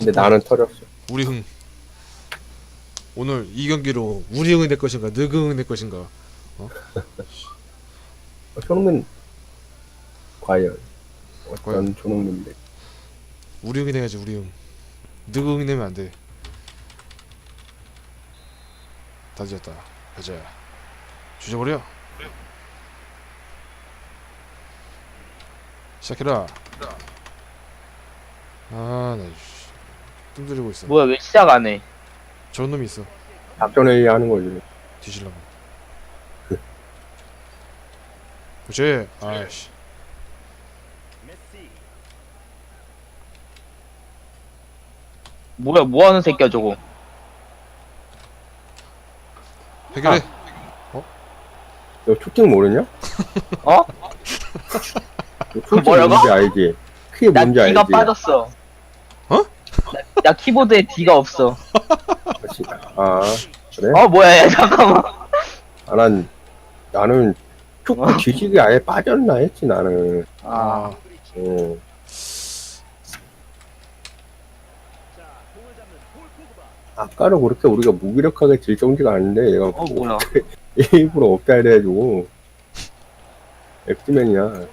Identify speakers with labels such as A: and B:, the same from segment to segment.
A: 근데 나는 터졌어.
B: 우리 흥. 오늘 이 경기로 우리 흥이 될 것인가, 너그 흥이 될 것인가. 어?
A: 손흥민 과연
B: 과연
A: 어떤 손흥민인데?
B: 우리 흥이 돼야지 우리 흥. 너그 흥이 되면 안 돼. 다 뒤졌다. 가자. 주저버려. 시작해라. 아, 나 뜸들이고 있어.
C: 뭐야 왜 시작 안 해?
B: 저런 놈이 있어.
A: 작전회의 하는 거지.
B: 뒤질라고. 그렇지. 아이씨.
C: 뭐야 뭐 하는 새끼야 저거?
B: 해결해.
A: 너 초팅 모르냐?
C: 어?
A: 너 초팅
C: 뭐라고?
A: 뭔지 알지? 그게
C: 나
A: 뭔지
C: D가
A: 알지?
C: 빠졌어.
B: 어?
C: 나 키보드에 D가 없어.
A: 아 그래?
C: 어 뭐야 야, 잠깐만.
A: 나는 초코 지식이 아예 빠졌나 했지 나는.
C: 아
A: 어. 아까는 그렇게 우리가 무기력하게 질 정도가 아닌데 얘가
C: 뭐야?
A: 일부러 업다이드 해주고 엑스맨이야.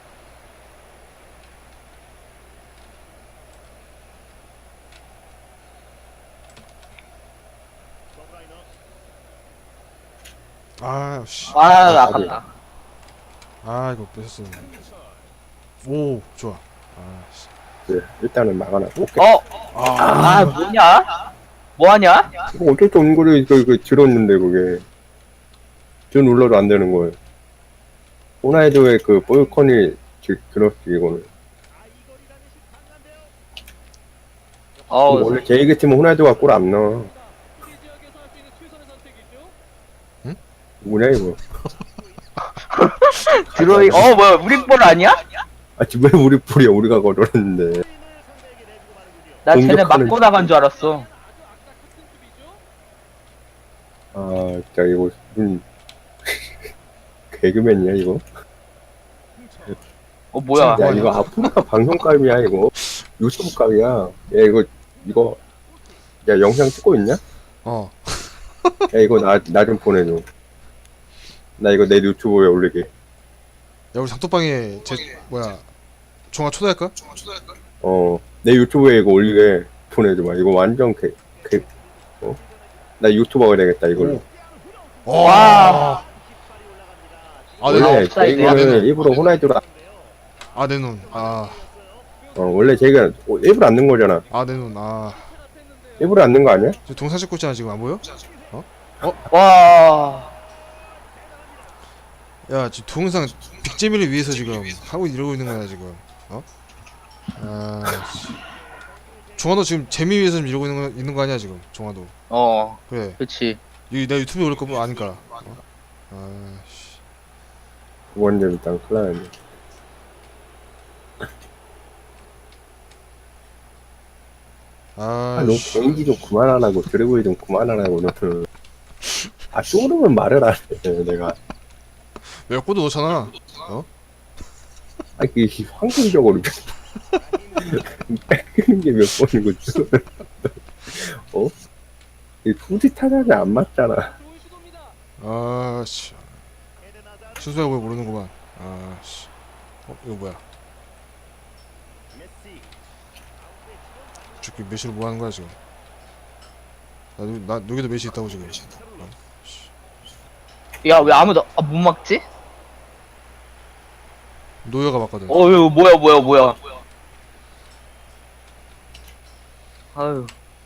B: 아, 씨.
C: 아 아깝다.
B: 아, 이거 뺏었어. 오, 좋아. 아, 씨.
A: 그래, 일단은 막아놨고.
C: 아 뭐냐? 뭐하냐?
A: 이거 어쩔 수 없는 거를 이거 들었는데 그게 저 눌러도 안 되는 거예요. 호나이드의 그 볼컨이 들었지 이거는. 원래 제 얘기 팀은 호나이드가 골 안 넣어.
B: 응?
A: 뭐냐 이거?
C: 드로잉 뭐야 우리 볼 아니야?
A: 아 지금 왜 우리 볼이야? 우리가 걸었는데.
C: 나 쟤네
A: 공격하는
C: 맞고 나간 줄 알았어.
A: 아 진짜 이거 무슨 개그맨이야 이거?
C: 뭐야?
A: 야 이거 아프리카 방송감이야 이거. 유튜브 감이야. 야 이거 야 영상 찍고 있냐?
B: 어.
A: 야 이거 나 좀 보내줘. 나 이거 내 유튜브에 올리게.
B: 야, 우리 작도방에 종아 초대할까?
A: 내 유튜브에 이거 올리게 보내줘봐. 이거 완전 나 유튜버가 되겠다 이걸로.
B: 와. 아, 내
A: 원래
B: 눈.
C: 옵사이드야?
A: 이거는 일부러 호나이드로
B: 아, 내 눈. 아,
A: 원래 제가 일부러 안 넣은 거잖아.
B: 아, 내 눈. 아.
A: 일부러 안 넣은 거 아니야?
B: 저 동사 찍고 있잖아, 지금 안 보여?
C: 와.
B: 야, 지금 동영상 빅재미를 위해서 지금 하고 이러고 있는 거야, 지금. 어? 아, 씨. 종아도 지금 재미 위해서 지금 이러고 있는 거 아니야, 지금. 종아도. 그래.
C: 그렇지.
B: 내 유튜브에 올릴 거면 아니까. 아, 씨.
A: 두 번째 일단 큰일 나네.
B: 아,
A: 너
B: 씨.
A: 개인기 좀 그만하라고 드래곤이 좀 그만하라고 너는. 쪼르면 말을 안 해. 내가
B: 몇 골도 넣잖아. 어?
A: 그 환경적으로 뺏기는 게 몇 번이고 이 투지 타자는 안 맞잖아.
B: 아, 씨. 순수하고 왜 모르는구만. 아, 씨. 이거 뭐야? 저기 메시로 뭐 하는 거야, 지금? 나 여기도 메시 있다고, 지금.
C: 야 왜 아무도 못 막지?
B: 노여가 맞거든.
C: 이거 뭐야? 아유.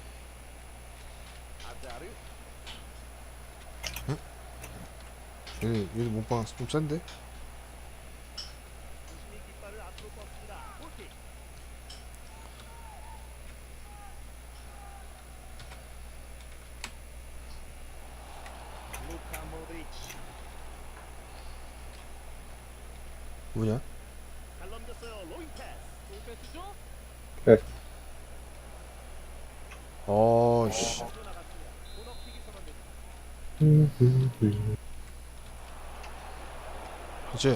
B: 얘 몸빵 좀 센데? 뭐냐?
A: 네.
B: 씨. 그치?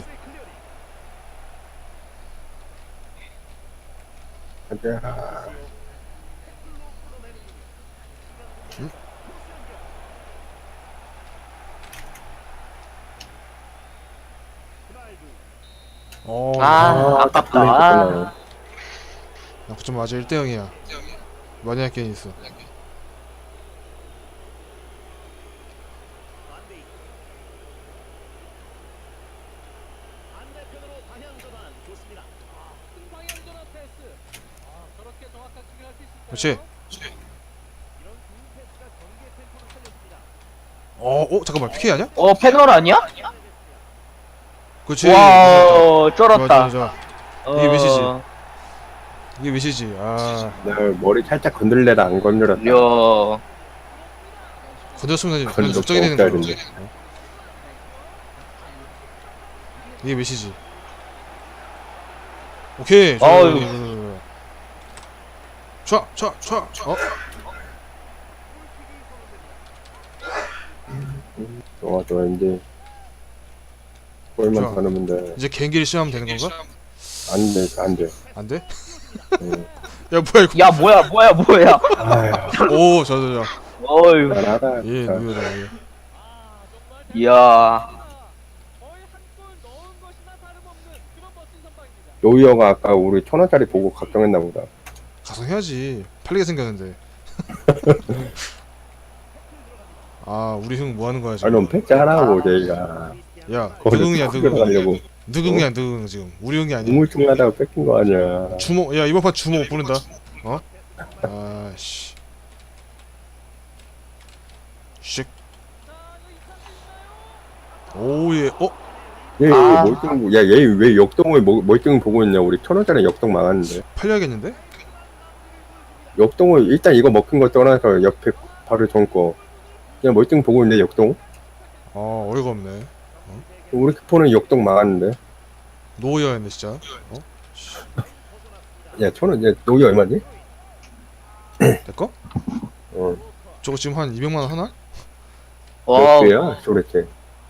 A: 가자.
C: 아깝다.
A: 끝나네.
B: 나 9점 맞아 1대 0이야. 많이 할 게임 있어. 그렇지. 잠깐만 PK 아니야?
C: 패널 아니야?
B: 그렇지.
C: 와,
B: 좋아, 좋아,
C: 쩔었다.
B: 좋아. 이게 몇이지? 이게 몇이지?
A: 내가 머리 살짝 건들래라 안 건드렸다.
C: 이야.
B: 건드렸으면 그냥
A: 건드렸다,
B: 적정이 되는
A: 없어야
B: 거야.
A: 되는데.
B: 이게 몇이지? 오케이.
C: 어휴.
B: 좋아. 좋아.
A: 좋아 이제 골만
B: 좋아.
A: 더 넣으면 돼.
B: 이제 개인기를 시험하면 되는 건가?
A: 안 돼.
B: 안 돼?
A: 응.
B: 야 뭐야 이거?
C: 야, 뭐야.
A: 아휴,
B: 오, 좋아.
C: 어휴.
A: 잘하다.
B: 예,
A: 진짜.
B: 누구다. 예.
C: 이야.
A: 노이어가 아까 우리 1,000원짜리 보고 걱정했나 보다.
B: 가성해야지. 팔리게 생겼는데. 우리 형 뭐 하는 거야
A: 아,
B: 지금?
A: 넌 패자라고 저희가.
B: 야,
A: 거기서
B: 느궁이야,
A: 뜯겨
B: 느궁.
A: 가려고
B: 느궁이야, 느궁 지금. 우리 형이 아니야.
A: 우물쭈물하다가 뺏긴 거 아니야.
B: 주모, 야 이번 판 주모 못 부른다. 아씨. 씩. 오예.
A: 얘
C: 아.
A: 멀뚱, 야, 얘 왜 역동을 멀뚱 보고 있냐? 우리 1,000원짜리 역동 망했는데.
B: 팔려야겠는데?
A: 역동을 일단 이거 먹힌 거 떠나서 옆에 바로 전 거. 그냥 멀뚱 보고 있는데 역동?
B: 어이가 없네.
A: 우리 키포는 역동 망했는데.
B: 노여였네 진짜.
A: 야, 1,000원, 야, 노이 얼마지?
B: 내 거?
A: 어,
B: 저거 지금 한 200만 원 하나?
A: 몇
C: 와.
A: 개야? 도대체.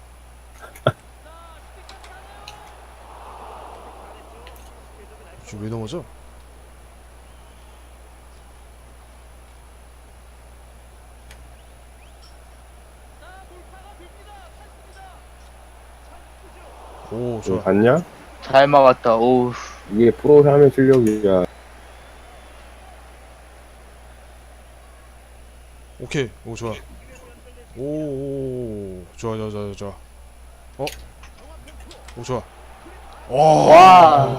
B: 지금 왜 넘어져? 오,
A: 너
B: 좋아.
A: 봤냐?
C: 잘 막았다. 오우.
A: 이게 프로 하면 실력이야.
B: 오케이. 오, 좋아. 좋아. 오, 좋아.
C: 와.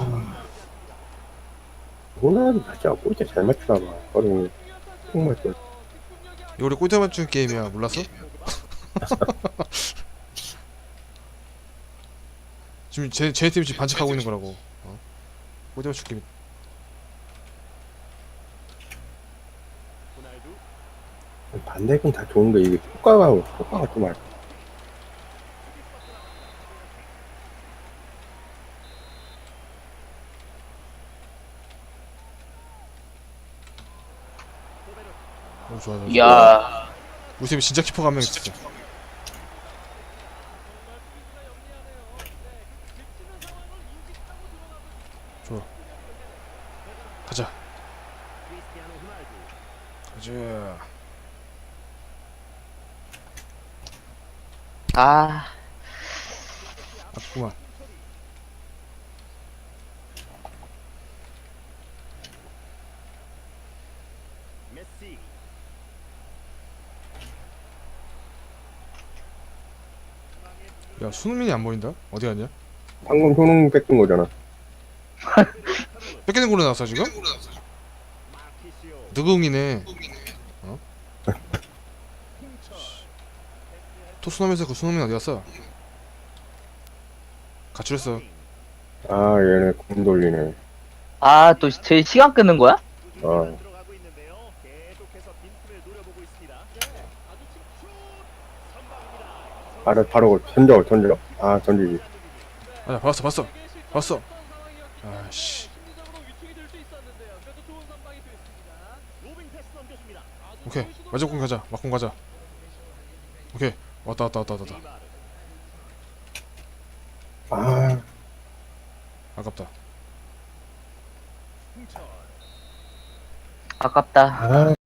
A: 호날두 진짜 꼴찌 잘 맞추나 봐. 거리 정말 또.
B: 이거 우리 꼴대 맞추는 게임이야. 몰랐어? 지금 제 팀이 지금 반칙하고 있는 거라고. 꼴대 맞추는 게임.
A: 반대긴 다 좋은데 이게 효과가 좀 알.
B: 오, 좋아.
C: 이야.
B: 우리 팀에 진짜 키퍼가 한 명 있어. 좋아. 가자.
C: 아.
B: 아프구만. 야, 손흥민이 안 보인다? 어디 갔냐?
A: 방금 효능 뺏긴 거잖아.
B: 뺏기는 걸로 나왔어 지금? 느궁이네. 토스넘에서 그 손흥민 어디 갔어? 가출했어.
A: 아, 얘네 공 돌리네.
C: 아, 또 제 시간 끄는 거야?
A: 아, 바로 던져. 아, 던지지.
B: 아야, 봤어. 아씨. 오케이, 마지막 가자. 막공 가자. 오케이, 왔다.
A: 아,
B: 아깝다.
C: 아깝다.
A: 아.